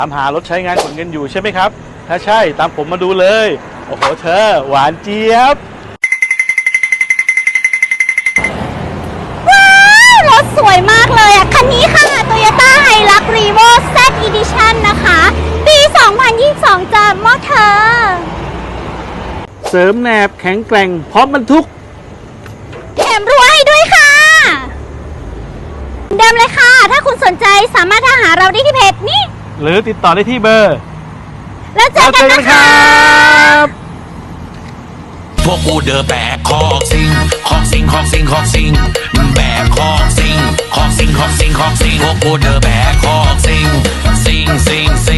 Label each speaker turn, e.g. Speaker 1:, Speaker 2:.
Speaker 1: ตามหารถใช้งานขนเงินอยู่ใช่ไหมครับถ้าใช่ตามผมมาดูเลยโอ้โหเธอหวานเจี๊ยบ
Speaker 2: ว้าวรถสวยมากเลยอ่ะคันนี้ค่ะ Toyota Hilux Revo Z Edition นะคะปี 2022จ้ะมอเธอ
Speaker 1: เสริมแหนบแข็งแกร่งพร้อมบรรทุก
Speaker 2: แถมรั้วให้ด้วยค่ะเดิมเลยค่ะถ้าคุณสนใจสามารถหาเราได้ที่เพจนี้
Speaker 1: หรือติดต่อได้ที่เบอร์
Speaker 2: แล้วเจอกันนะคะ
Speaker 3: พวกกูเดอแบกคอกซิงคอกซิงคอกซิงคอกซิงแบกคอกซิงคอกซิงคอกซิงคอกซิงพวกกูเดอแบกคอกซิงซิงซิงซิ